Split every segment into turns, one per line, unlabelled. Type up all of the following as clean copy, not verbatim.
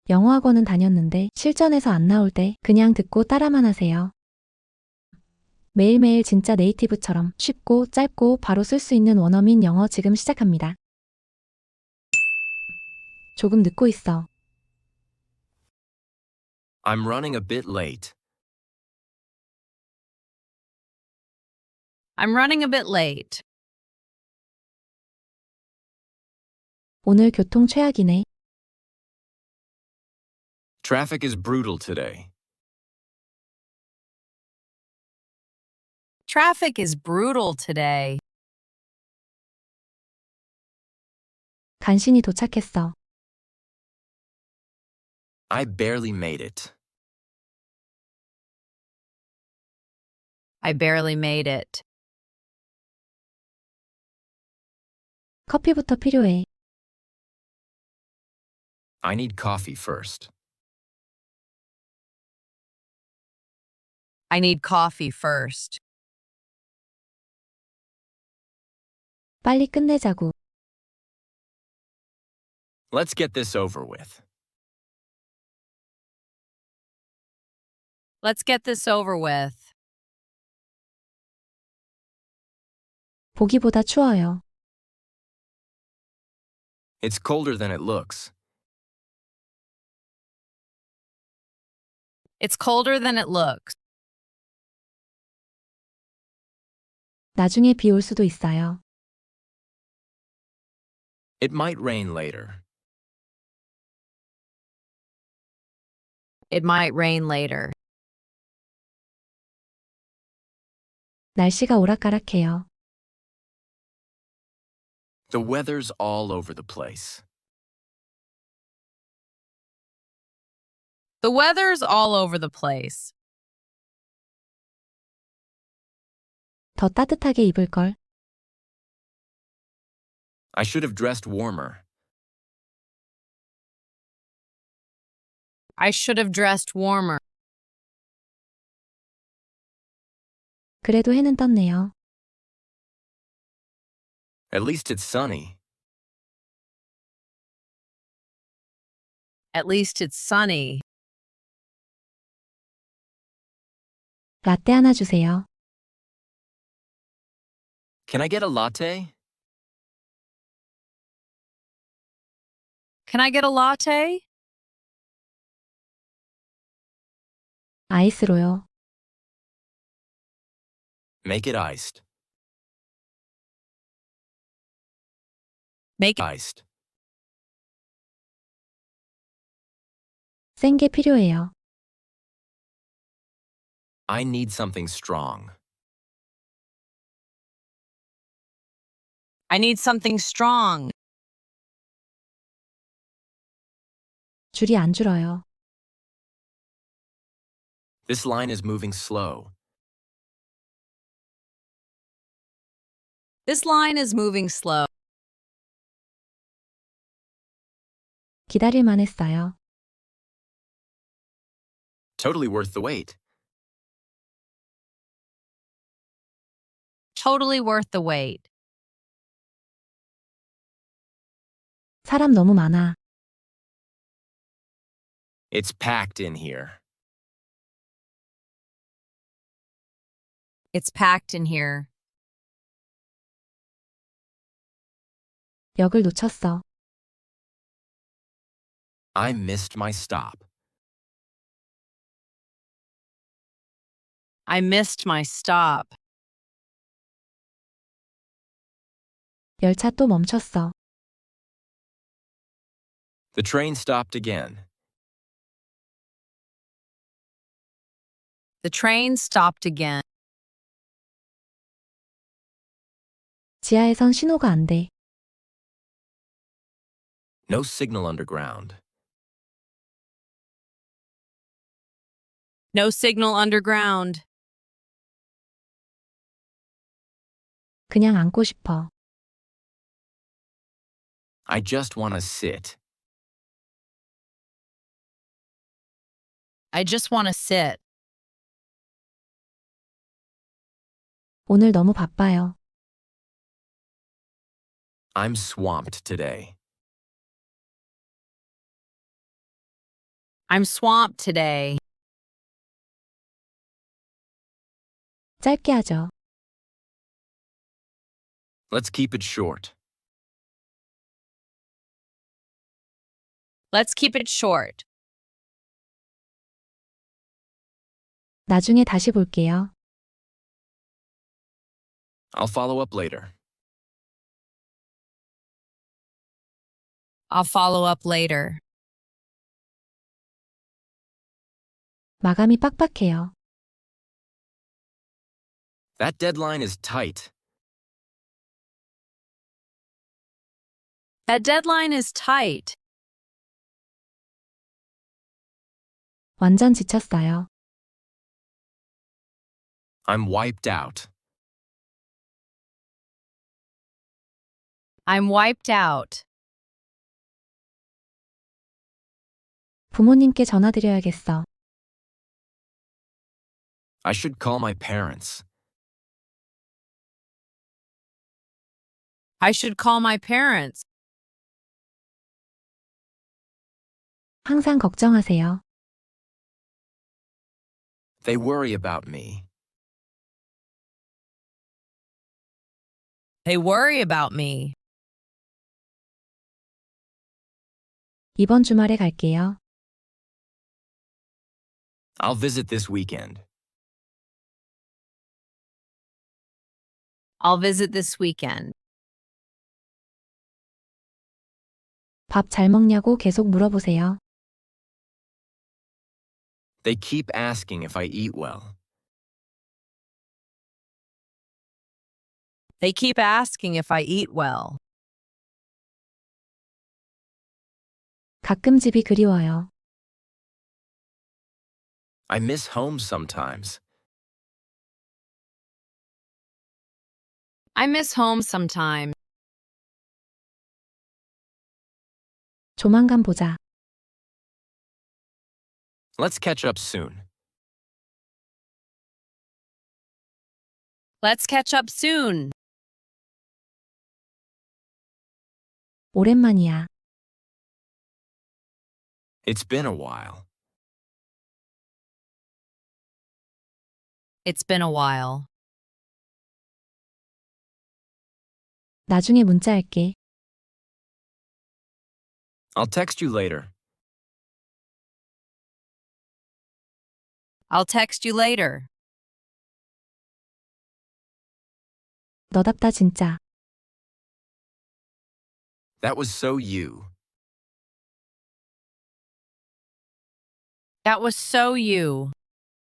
영어학원은 다녔는데 실전에서 안 나올 때 그냥 듣고 따라만 하세요. 매일매일 진짜 네이티브처럼 쉽고 짧고 바로 쓸 수 있는 원어민 영어 지금 시작합니다. 조금 늦고 있어.
I'm running a bit late.
I'm running a bit late.
오늘 교통 최악이네.
Traffic is brutal today.
Traffic is brutal today.
간신히 도착했어.
I barely made it.
I barely made it.
커피부터 필요해.
I need coffee first.
I need coffee first.
빨리 끝내자고.
Let's get this over with.
Let's get this over with.
보기보다 추워요.
It's colder than it looks.
It's colder than it looks.
나중에 비 올 수도 있어요.
It might rain later.
It might rain later.
날씨가 오락가락해요.
The weather's all over the place.
The weather's all over the place.
더 따뜻하게 입을걸.
I should have dressed warmer.
I should have dressed warmer.
그래도 해는 떴네요.
At least it's sunny.
At least it's sunny.
라떼 하나 주세요.
Can I get a latte?
Can I get a latte?
아이스로요.
Make it iced.
Make it
Iced.
센 게 필요해요.
I need something strong.
I need something strong.
줄이 안 줄어요.
This line is moving slow.
This line is moving slow.
기다릴만 했어요.
Totally worth the wait.
Totally worth the wait.
사람 너무 많아.
It's packed in here.
It's packed in here.
역을 놓쳤어.
I missed my stop.
I missed my stop.
열차 또 멈췄어.
The train stopped again.
The train stopped again.
지하에선 신호가 안 돼.
No signal underground.
No signal underground.
그냥 앉고 싶어.
I just want to sit.
I just want to sit.
오늘 너무 바빠요.
I'm swamped today.
I'm swamped today.
짧게 하죠.
Let's keep it short.
Let's keep it short.
나중에 다시 볼게요.
I'll follow up later.
I'll follow up later.
마감이 빡빡해요.
That deadline is tight.
That deadline is tight.
완전 지쳤어요.
I'm wiped out.
I'm wiped out.
부모님께 전화드려야겠어.
I should call my parents.
I should call my parents.
항상 걱정하세요.
They worry about me.
They worry about me.
이번 주말에 갈게요.
I'll visit this weekend.
I'll visit this weekend.
밥 잘 먹냐고 계속 물어보세요.
They keep asking if I eat well.
They keep asking if I eat well.
가끔 집이 그리워요.
I miss home sometimes.
I miss home sometimes.
조만간 보자.
Let's catch up soon.
Let's catch up soon.
오랜만이야.
It's been a while.
It's been a while.
나중에 문자할게.
I'll text you later.
I'll text you later.
너답다 진짜.
That was so you.
That was so you.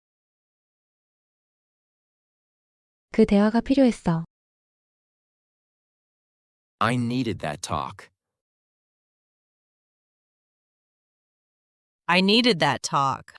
그 대화가 필요했어.
I needed that talk.
I needed that talk.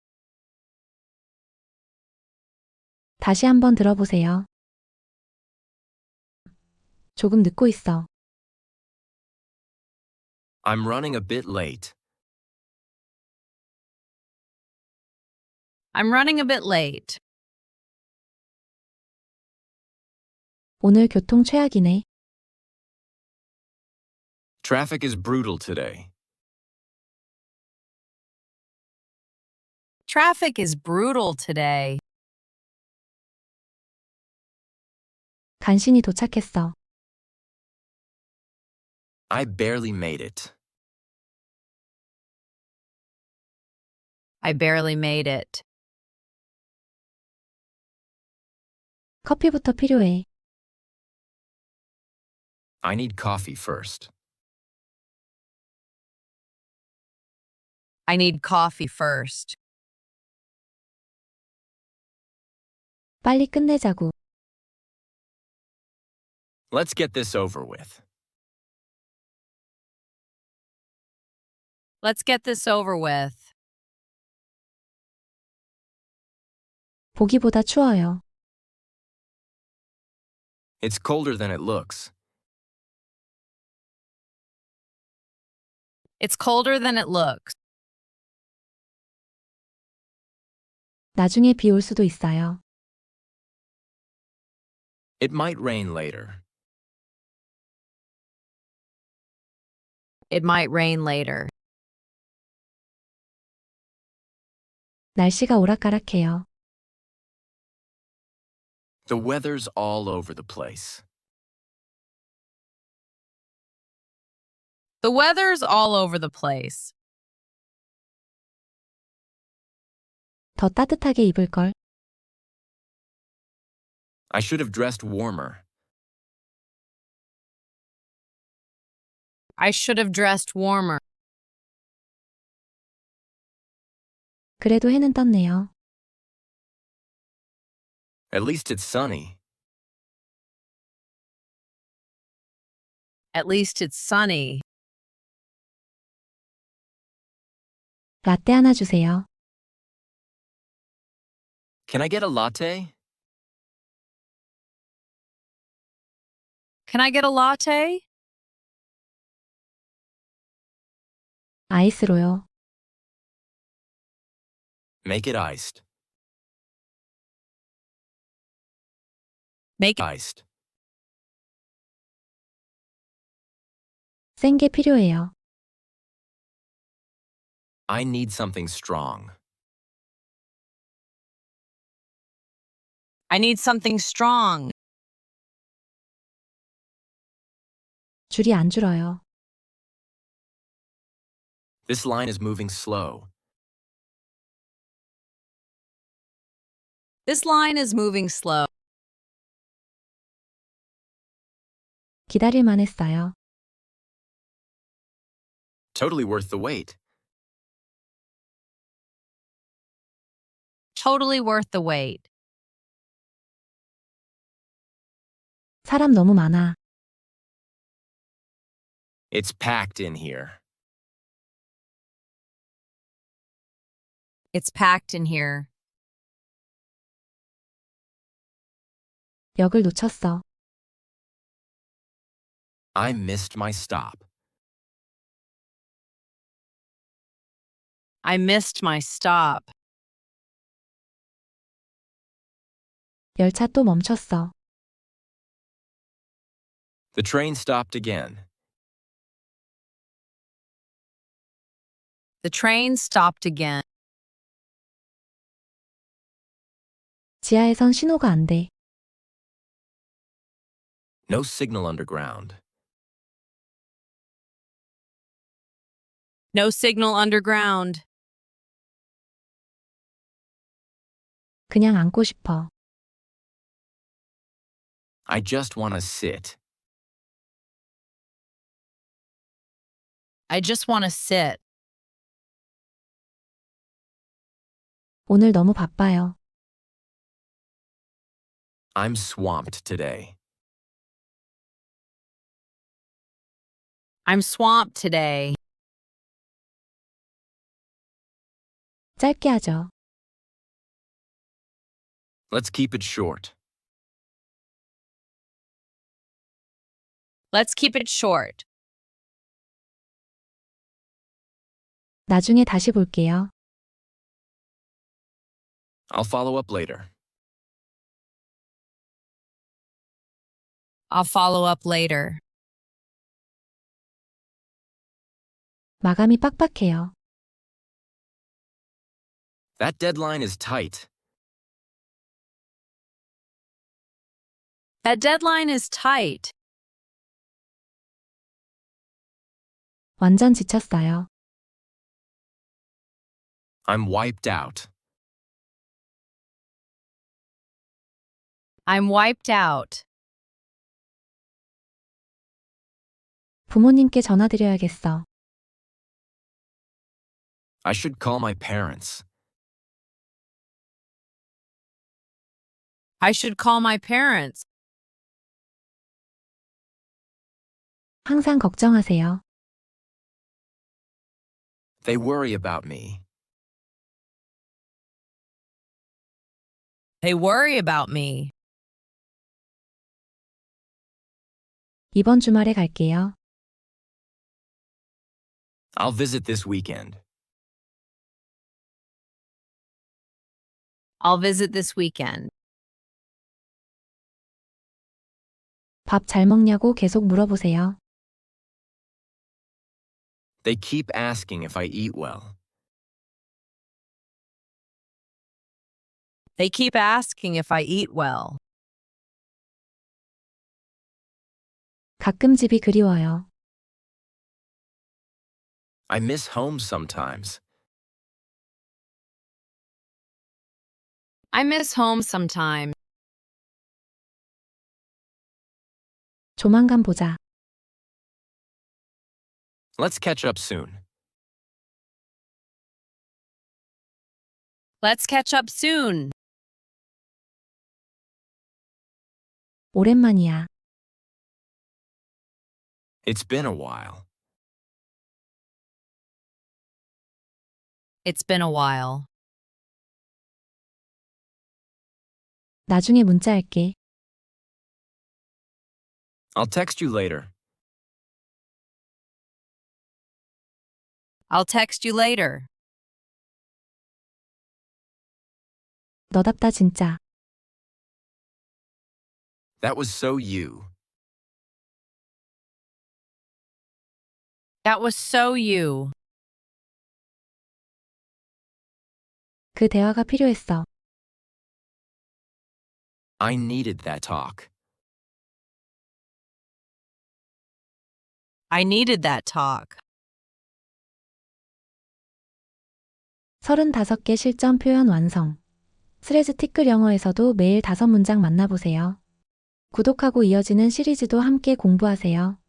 다시 한번 들어보세요. 조금 늦고 있어.
I'm running a bit late.
I'm running a bit late.
오늘 교통 최악이네.
Traffic is brutal today.
Traffic is brutal today.
간신히 도착했어.
I barely made it.
I barely made it.
커피부터 필요해.
I need coffee first.
I need coffee first.
빨리 끝내자고.
Let's get this over with.
Let's get this over with.
보기보다 추워요.
It's colder than it looks.
It's colder than it looks.
나중에 비 올 수도 있어요.
It might rain later.
It might rain later.
날씨가 오락가락해요.
The weather's all over the place.
The weather's all over the place.
더 따뜻하게 입을걸.
I should have dressed warmer.
I should have dressed warmer.
그래도 해는 떴네요.
At least it's sunny.
At least it's sunny.
라떼 하나 주세요.
Can I get a latte?
Can I get a latte?
아이스로요.
Make it iced.
Make it
Iced.
센 게 필요해요.
I need something strong.
I need something strong.
줄이 안 줄어요.
This line is moving slow.
This line is moving slow.
기다릴만 했어요.
Totally worth the wait.
Totally worth the wait.
사람 너무 많아.
It's packed in here.
It's packed in here.
역을 놓쳤어.
I missed my stop.
I missed my stop.
열차 또 멈췄어.
The train stopped again.
The train stopped again.
지하에선 신호가 안 돼.
No signal underground.
No signal underground.
그냥 앉고 싶어.
I just want to sit.
I just want to sit.
오늘 너무 바빠요.
I'm swamped today.
I'm swamped today.
짧게 하죠.
Let's keep it short.
Let's keep it short.
나중에 다시 볼게요.
I'll follow up later.
I'll follow up later.
마감이 빡빡해요.
That deadline is tight.
That deadline is tight.
완전 지쳤어요.
I'm wiped out.
I'm wiped out.
부모님께 전화드려야겠어.
I should call my parents.
I should call my parents.
항상 걱정하세요.
They worry about me.
They worry about me.
이번 주말에 갈게요.
I'll visit this weekend.
I'll visit this weekend.
밥 잘 먹냐고 계속 물어보세요.
They keep asking if I eat well.
They keep asking if I eat well.
가끔 집이 그리워요.
I miss home sometimes.
I miss home sometimes.
조만간 보자.
Let's catch up soon.
Let's catch up soon.
오랜만이야.
It's been a while.
It's been a while.
나중에 문자할게.
I'll text you later.
I'll text you later.
너답다 진짜.
That was so you.
That was so you.
그 대화가 필요했어.
I needed that talk.
I needed that talk.
35개 실전 표현 완성. 스레즈 티끌 영어에서도 매일 5문장 만나보세요. 구독하고 이어지는 시리즈도 함께 공부하세요.